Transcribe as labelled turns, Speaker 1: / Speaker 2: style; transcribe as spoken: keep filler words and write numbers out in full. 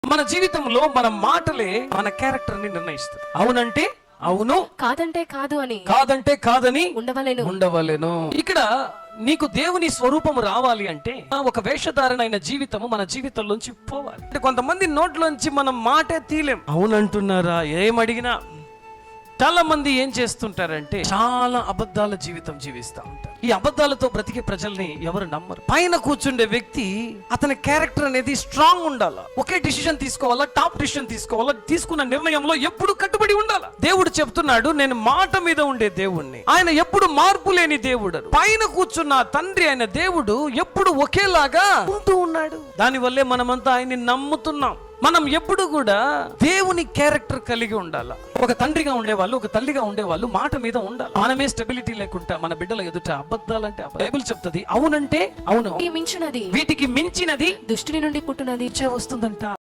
Speaker 1: మన జీవితంలో మన మాటలే మన క్యారెక్టర్ ని నిర్ణయిస్తుంది. అవునంటే అవును,
Speaker 2: కాదంటే కాదు అని,
Speaker 1: కాదంటే కాదని
Speaker 2: ఉండవలెను
Speaker 1: ఉండవలెను. ఇక్కడ నీకు దేవుని స్వరూపము రావాలి అంటే ఒక వేషధారణైన జీవితము మన జీవితంలోంచి పోవాలి. అంటే కొంతమంది నోట్లోంచి మనం మాటే తీలేం. అవునంటున్నారా? ఏమడిగినా చాలా మంది ఏం చేస్తుంటారంటే చాలా అబద్ధాల జీవితం జీవిస్తూ ఉంటారు. ఈ అబద్ధాలతో బ్రతికే ప్రజల్ని ఎవరు నమ్మరు. పైన కూర్చుండే వ్యక్తి అతని క్యారెక్టర్ అనేది స్ట్రాంగ్ ఉండాలా, ఒకే డిసిషన్ తీసుకోవాలా, టాప్ డిసిషన్ తీసుకోవాలా, తీసుకున్న నిర్ణయంలో ఎప్పుడు కట్టుబడి ఉండాలా. దేవుడు చెప్తున్నాడు, నేను మాట మీద ఉండే దేవుణ్ణి, ఆయన ఎప్పుడు మార్పు లేని దేవుడు. పైన కూర్చున్న తండ్రి అయిన దేవుడు ఎప్పుడు ఒకేలాగా ఉంటూ ఉన్నాడు. దానివల్లే మనమంతా ఆయన్ని నమ్ముతున్నాం. మనం ఎప్పుడు కూడా దేవుని క్యారెక్టర్ కలిగి ఉండాలి. ఒక తండ్రిగా ఉండేవాళ్ళు, ఒక తల్లిగా ఉండేవాళ్ళు మాట మీద ఉండాలి. మనమే స్టెబిలిటీ లేకుండా మన బిడ్డల ఎదుట అబద్ధాలంటే బైబిల్ చెప్తుంది అవునంటే అవును,
Speaker 2: మించినది
Speaker 1: వీటికి మించినది
Speaker 2: దుష్టుని నుండి పుట్టినది
Speaker 1: వస్తుందంట.